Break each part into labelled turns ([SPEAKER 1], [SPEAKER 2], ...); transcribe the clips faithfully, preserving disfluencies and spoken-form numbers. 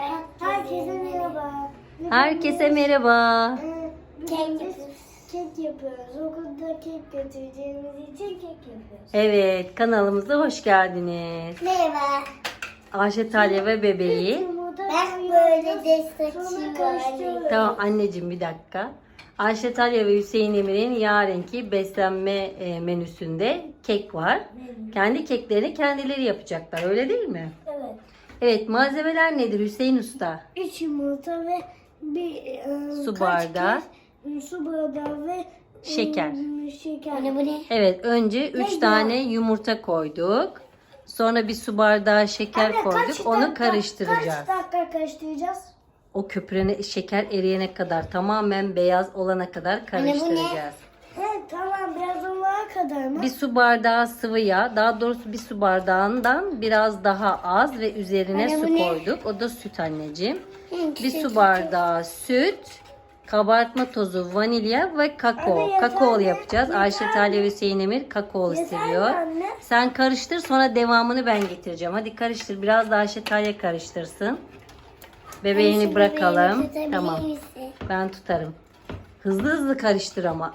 [SPEAKER 1] Herkese merhaba.
[SPEAKER 2] Herkese merhaba.
[SPEAKER 1] Kek yapıyoruz. Kek yapıyoruz. Okulda kek götüreceğimiz için kek yapıyoruz.
[SPEAKER 2] Evet, kanalımıza hoş geldiniz.
[SPEAKER 1] Merhaba.
[SPEAKER 2] Ayşe Talya ve bebeği.
[SPEAKER 1] Ben böyle destekçiyim.
[SPEAKER 2] Tamam anneciğim bir dakika. Ayşe Talya ve Hüseyin Emir'in yarınki beslenme e, menüsünde kek var. Kendi keklerini kendileri yapacaklar, öyle değil mi?
[SPEAKER 1] Evet.
[SPEAKER 2] Evet, malzemeler nedir Hüseyin Usta?
[SPEAKER 1] Üç yumurta ve bir e,
[SPEAKER 2] Su
[SPEAKER 1] kaç
[SPEAKER 2] bardağı.
[SPEAKER 1] kez- Su bardağı ve
[SPEAKER 2] Şeker.
[SPEAKER 1] e, şeker. Anne bu ne?
[SPEAKER 2] Evet, önce üç
[SPEAKER 1] Ne
[SPEAKER 2] tane yumurta koyduk. Sonra bir su bardağı şeker
[SPEAKER 1] Anne,
[SPEAKER 2] koyduk.
[SPEAKER 1] kaç
[SPEAKER 2] Onu
[SPEAKER 1] dakika-
[SPEAKER 2] karıştıracağız.
[SPEAKER 1] Kaç dakika karıştıracağız?
[SPEAKER 2] O köpürene şeker eriyene kadar, tamamen beyaz olana kadar karıştıracağız.
[SPEAKER 1] He tamam, biraz olana kadar mı?
[SPEAKER 2] Bir su bardağı sıvı yağ, daha doğrusu bir su bardağından biraz daha az ve üzerine
[SPEAKER 1] Anne, bu
[SPEAKER 2] su
[SPEAKER 1] ne?
[SPEAKER 2] koyduk. O da süt anneciğim.
[SPEAKER 1] Hı,
[SPEAKER 2] Bir
[SPEAKER 1] süt,
[SPEAKER 2] su bardağı süt, kabartma tozu, vanilya ve kakao.
[SPEAKER 1] Anne, yeter
[SPEAKER 2] Kakaolu
[SPEAKER 1] mi?
[SPEAKER 2] yapacağız.
[SPEAKER 1] Yeter
[SPEAKER 2] Ayşe
[SPEAKER 1] mi?
[SPEAKER 2] Talya ve Hüseyin Emir kakaolu
[SPEAKER 1] Yeter mi
[SPEAKER 2] seviyor.
[SPEAKER 1] anne?
[SPEAKER 2] Sen karıştır, sonra devamını ben getireceğim. Hadi karıştır. Biraz da Ayşe Talya karıştırsın. Bebeğini bırakalım. Tamam. Ben tutarım. Hızlı hızlı karıştır ama.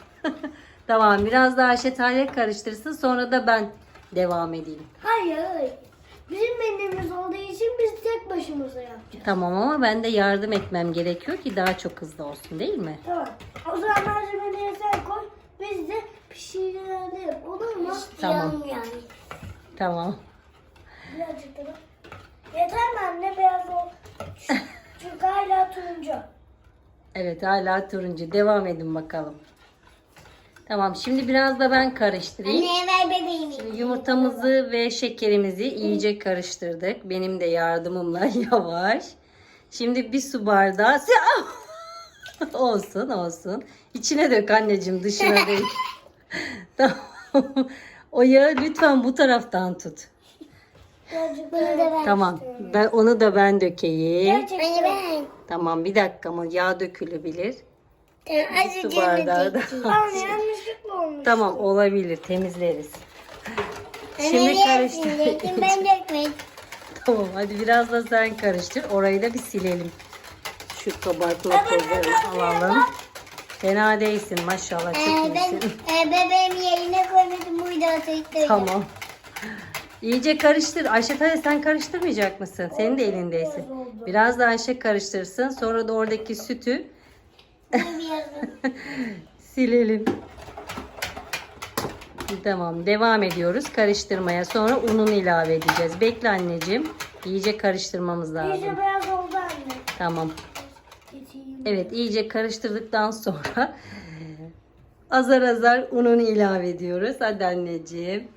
[SPEAKER 2] Tamam, biraz daha Ayşe Talya karıştırsın, sonra da ben devam edeyim.
[SPEAKER 1] Hayır. Bizim menümüz olduğu için biz tek başımıza yapacağız.
[SPEAKER 2] Tamam ama ben de yardım etmem gerekiyor ki daha çok hızlı olsun, değil mi?
[SPEAKER 1] Tamam. O zaman malzemeleri sen koy. Biz de pişirelim. Olur mu?
[SPEAKER 2] Tamam.
[SPEAKER 1] Yani.
[SPEAKER 2] Tamam.
[SPEAKER 1] Birazcık da. Yeter mi anne? Beyaz ol. Çünkü hala turuncu.
[SPEAKER 2] Evet, hala turuncu. Devam edin bakalım. Tamam, şimdi biraz da ben karıştırayım.
[SPEAKER 1] ver bebeğimi.
[SPEAKER 2] Şimdi yumurtamızı ve şekerimizi iyice karıştırdık. Benim de yardımımla yavaş. Şimdi bir su bardağı. Olsun olsun. İçine dök anneciğim, dışına değil. Tamam. O yağı lütfen bu taraftan tut.
[SPEAKER 1] Birazcık Bunu da ben
[SPEAKER 2] Tamam. Ben onu da ben dökeyim.
[SPEAKER 1] Gerçekten. ben.
[SPEAKER 2] Tamam, bir dakika ama yağ dökülebilir.
[SPEAKER 1] Azıcık
[SPEAKER 2] Su bardağı da.
[SPEAKER 1] Anne yanlışlıkla olmuş.
[SPEAKER 2] Tamam, olabilir, temizleriz. Şimdi karıştır.
[SPEAKER 1] Ben dökmedim.
[SPEAKER 2] Tamam, hadi biraz da sen karıştır. Orayı da bir silelim. Şu kabartma tozlarını alalım. Fena değilsin maşallah, çok iyisin.
[SPEAKER 1] e, bebeğimi yerine koymadım. Buydu atayım.
[SPEAKER 2] Tamam. İyice karıştır. Ayşe Talya, sen karıştırmayacak mısın? Senin de elindeysin. Biraz da Ayşe karıştırsın. Sonra da oradaki sütü silelim. Tamam, devam ediyoruz karıştırmaya. Sonra ununu ilave edeceğiz. Bekle anneciğim. İyice karıştırmamız lazım.
[SPEAKER 1] İyice beyaz oldu anne.
[SPEAKER 2] Tamam.
[SPEAKER 1] Getireyim.
[SPEAKER 2] Evet, iyice karıştırdıktan sonra azar azar ununu ilave ediyoruz. Hadi anneciğim.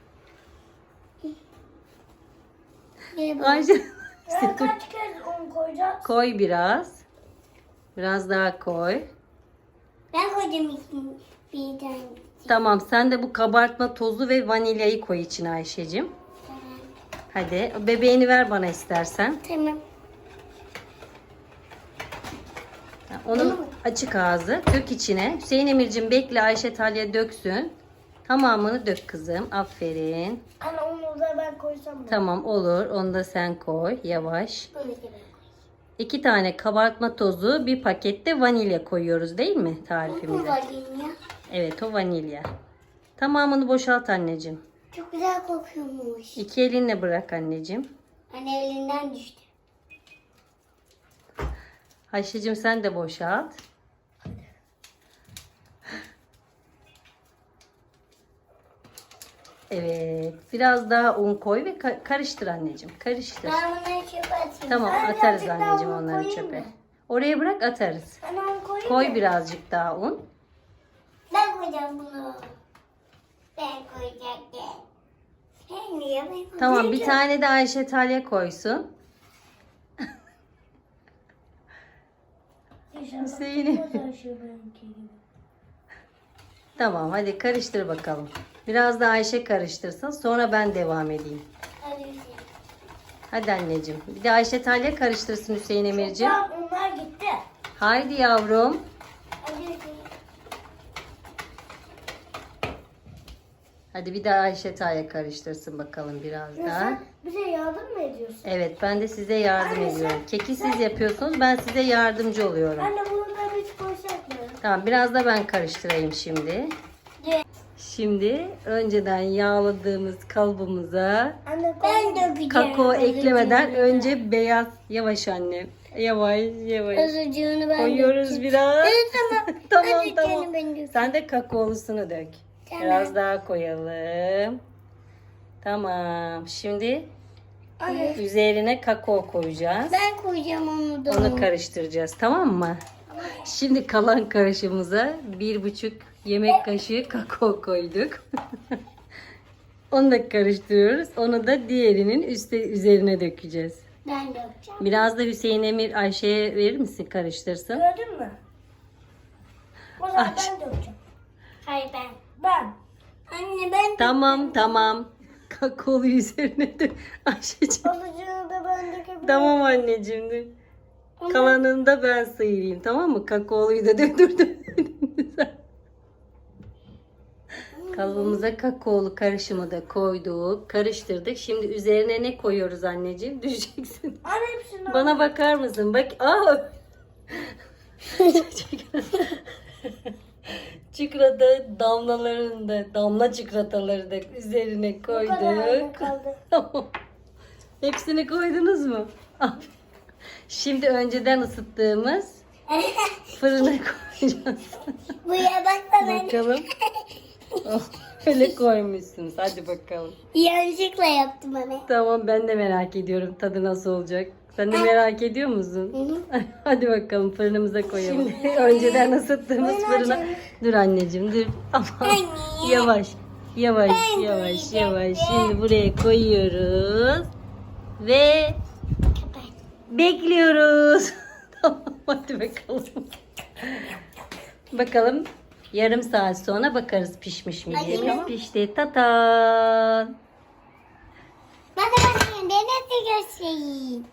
[SPEAKER 2] Ayşe
[SPEAKER 1] Ya kaç kez un koyacağız?
[SPEAKER 2] koy biraz. Biraz daha koy.
[SPEAKER 1] Ben koyacağım bir tane.
[SPEAKER 2] Tamam, sen de bu kabartma tozu ve vanilyayı koy içine Ayşe'cim. Hadi bebeğini ver bana istersen.
[SPEAKER 1] Tamam.
[SPEAKER 2] Onun açık ağzı. Dök içine. Hüseyin Emir'cim bekle, Ayşe Talya döksün. Tamamını dök kızım. Aferin.
[SPEAKER 1] Anne onu da ben koysam mı?
[SPEAKER 2] Tamam, olur. Onu da sen koy. Yavaş.
[SPEAKER 1] Bunu da ben koyayım.
[SPEAKER 2] İki tane kabartma tozu, bir pakette vanilya koyuyoruz değil mi
[SPEAKER 1] Bu
[SPEAKER 2] tarifimize?
[SPEAKER 1] koyayım ya.
[SPEAKER 2] Evet, o vanilya. Tamamını boşalt anneciğim.
[SPEAKER 1] Çok güzel kokuyormuş.
[SPEAKER 2] İki elinle bırak anneciğim.
[SPEAKER 1] Anne elinden düştü.
[SPEAKER 2] Ayşe'cim sen de boşalt. Evet. Biraz daha un koy ve ka- karıştır anneciğim. Karıştır.
[SPEAKER 1] Ben bunları çöpe atayım.
[SPEAKER 2] Tamam,
[SPEAKER 1] Ben
[SPEAKER 2] atarız
[SPEAKER 1] birazcık daha
[SPEAKER 2] anneciğim
[SPEAKER 1] un
[SPEAKER 2] onları
[SPEAKER 1] koyayım
[SPEAKER 2] çöpe.
[SPEAKER 1] mı?
[SPEAKER 2] Oraya bırak, atarız.
[SPEAKER 1] Ben onu koyayım
[SPEAKER 2] Koy
[SPEAKER 1] mı?
[SPEAKER 2] birazcık daha un.
[SPEAKER 1] Ben koyacağım bunu. Ben koyacaktım. Sen niye ben koyacağım?
[SPEAKER 2] Tamam, bir tane de Ayşe Talya koysun. Hüseyin'im. Tamam, hadi karıştır bakalım. Biraz da Ayşe karıştırsın, sonra ben devam edeyim. Hadi anneciğim. Bir de Ayşe Talya karıştırsın Hüseyin Emir'ciğim.
[SPEAKER 1] Tamam, onlar gitti.
[SPEAKER 2] Haydi yavrum.
[SPEAKER 1] Hadi Hüseyin.
[SPEAKER 2] Hadi bir daha Ayşe Taya karıştırsın bakalım biraz
[SPEAKER 1] Ya
[SPEAKER 2] daha.
[SPEAKER 1] sen bize yardım mı ediyorsun?
[SPEAKER 2] Evet, ben de size yardım
[SPEAKER 1] Anne, sen-
[SPEAKER 2] ediyorum. Keki siz yapıyorsunuz, ben size yardımcı oluyorum.
[SPEAKER 1] Anne bunu da hiç koysak mı?
[SPEAKER 2] Tamam, biraz da ben karıştırayım şimdi.
[SPEAKER 1] Ye.
[SPEAKER 2] Şimdi önceden yağladığımız kalıbımıza
[SPEAKER 1] Anne ben dökeceğim.
[SPEAKER 2] kakao eklemeden önce beyaz, yavaş annem. Yavaş yavaş.
[SPEAKER 1] Azıcığını ben
[SPEAKER 2] Koyuyoruz
[SPEAKER 1] dökeceğim.
[SPEAKER 2] biraz.
[SPEAKER 1] Tamam.
[SPEAKER 2] tamam
[SPEAKER 1] Azıcığını
[SPEAKER 2] tamam.
[SPEAKER 1] ben dökeyim.
[SPEAKER 2] Sen de kakaolusunu dök.
[SPEAKER 1] Tamam.
[SPEAKER 2] Biraz daha koyalım. Tamam. Şimdi
[SPEAKER 1] Anne
[SPEAKER 2] üzerine kakao koyacağız.
[SPEAKER 1] ben koyacağım onu da.
[SPEAKER 2] Onu karıştıracağız, tamam mı? Şimdi kalan karışımıza bir buçuk yemek kaşığı kakao koyduk. Onu da karıştırıyoruz. Onu da diğerinin üstte üzerine dökeceğiz.
[SPEAKER 1] Ben dökeceğim.
[SPEAKER 2] Biraz da Hüseyin Emir Ayşe'ye verir misin, karıştırsın?
[SPEAKER 1] Gördün mü? O zaman
[SPEAKER 2] Ay.
[SPEAKER 1] ben dökeceğim. Hayır ben. Ben. Anne ben
[SPEAKER 2] Tamam tamam. Kakaolu üzerine dök. Ayşe'ciğim.
[SPEAKER 1] Azıcığını da ben dökebilirim.
[SPEAKER 2] Tamam anneciğim. dur. Kalanını da ben sıyırayım, tamam mı? Kakaoluyu da döndürdüm. Kalıbımıza kakaolu karışımı da koyduk. Karıştırdık. Şimdi üzerine ne koyuyoruz anneciğim? Düşeceksin.
[SPEAKER 1] Anne hepsini
[SPEAKER 2] Bana bakar mısın? Bak. Aa! Çikolata damlalarını da, damla çikolataları da üzerine
[SPEAKER 1] Bu kadar anne
[SPEAKER 2] koyduk.
[SPEAKER 1] kaldı.
[SPEAKER 2] Tamam. Hepsini koydunuz mu? Aferin. Şimdi önceden ısıttığımız fırına koyacağız.
[SPEAKER 1] Buraya baksana.
[SPEAKER 2] Bakalım. Oh, öyle koymuşsunuz. Hadi bakalım.
[SPEAKER 1] Yanlışlıkla yaptım anne.
[SPEAKER 2] Tamam, ben de merak ediyorum tadı nasıl olacak. Sen de merak ediyor musun? Hadi bakalım fırınımıza koyalım. Şimdi önceden ısıttığımız
[SPEAKER 1] Ben
[SPEAKER 2] fırına.
[SPEAKER 1] açayım.
[SPEAKER 2] Dur anneciğim dur. Ama
[SPEAKER 1] Anne.
[SPEAKER 2] yavaş. Yavaş
[SPEAKER 1] Ben
[SPEAKER 2] yavaş
[SPEAKER 1] koyacağım.
[SPEAKER 2] yavaş. Şimdi buraya koyuyoruz. Ve bekliyoruz. Tamam, hadi bakalım. Bakalım yarım saat sonra bakarız pişmiş mi diye.
[SPEAKER 1] Bakayım.
[SPEAKER 2] Pişti. Tatan.
[SPEAKER 1] Bana bakayım. Ben nasıl göstereyim?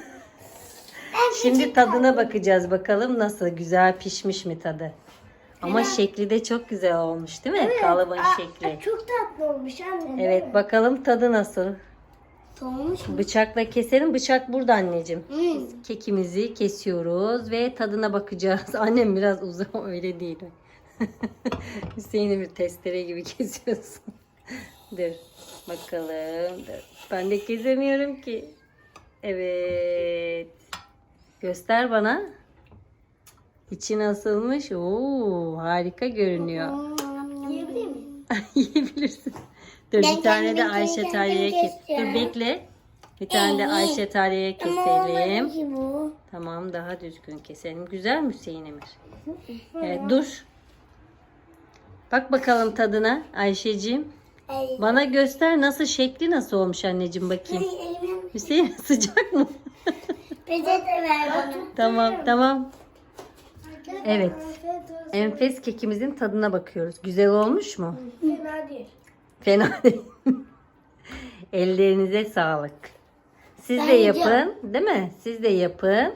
[SPEAKER 2] Şimdi tadına bakacağız bakalım nasıl, güzel pişmiş mi tadı. Ama şekli de çok güzel olmuş değil mi? Kalıbın şekli.
[SPEAKER 1] Çok tatlı olmuş anne.
[SPEAKER 2] Evet, bakalım tadı nasıl.
[SPEAKER 1] Soğumuş mu?
[SPEAKER 2] Bıçakla keselim. Bıçak burada anneciğim.
[SPEAKER 1] Hmm.
[SPEAKER 2] Kekimizi kesiyoruz ve tadına bakacağız. Annem biraz uzun, öyle değil. Hüseyin'i bir testere gibi kesiyorsun. Dur bakalım. Dur. Ben de kesemiyorum ki. Evet. Göster bana. İçi nasılmış? Oo, harika görünüyor.
[SPEAKER 1] Yiyebilir miyim?
[SPEAKER 2] Yiyebilirsin. Dur
[SPEAKER 1] Ben
[SPEAKER 2] bir tane de
[SPEAKER 1] kendim
[SPEAKER 2] Ayşe
[SPEAKER 1] kendim
[SPEAKER 2] Talya'ya kes. Dur
[SPEAKER 1] kesiyorum.
[SPEAKER 2] bekle. Bir tane de
[SPEAKER 1] İyi.
[SPEAKER 2] Ayşe Talya'ya
[SPEAKER 1] Ama olmadı
[SPEAKER 2] keselim.
[SPEAKER 1] ki bu.
[SPEAKER 2] Tamam, daha düzgün keselim. Güzel mi Hüseyin Emir? Evet, dur. Bak bakalım tadına Ayşeciğim.
[SPEAKER 1] Ay.
[SPEAKER 2] Bana göster, nasıl, şekli nasıl olmuş anneciğim, bakayım.
[SPEAKER 1] Ay, elim.
[SPEAKER 2] Hüseyin sıcak mı?
[SPEAKER 1] Peçete ver bana.
[SPEAKER 2] Tamam tamam. Evet.
[SPEAKER 1] Afiyet olsun.
[SPEAKER 2] Enfes kekimizin tadına bakıyoruz. Güzel olmuş mu?
[SPEAKER 1] Fena değil.
[SPEAKER 2] Fena değil. Ellerinize sağlık. Siz de
[SPEAKER 1] Bence-
[SPEAKER 2] yapın, değil mi? Siz de yapın.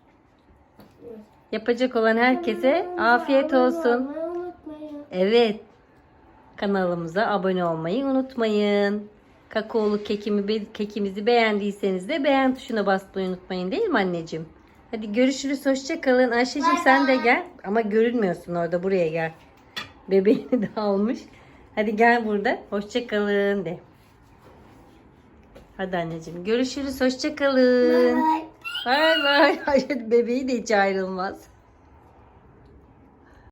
[SPEAKER 2] Yapacak olan herkese afiyet olsun.
[SPEAKER 1] Abone olmayı unutmayın.
[SPEAKER 2] Evet. Kanalımıza abone olmayı unutmayın. Kakaolu kekimi, kekimizi beğendiyseniz de beğen tuşuna basmayı unutmayın, değil mi anneciğim? Hadi görüşürüz. Hoşça kalın. Ayşe'cim sen de gel. Ama görünmüyorsun orada. Buraya gel. Bebeğini de almış. Hadi gel burada. Hoşça kalın de. Hadi anneciğim. Görüşürüz. Hoşça kalın.
[SPEAKER 1] Bye.
[SPEAKER 2] Bay bay. Hayır, bebeği de hiç ayrılmaz.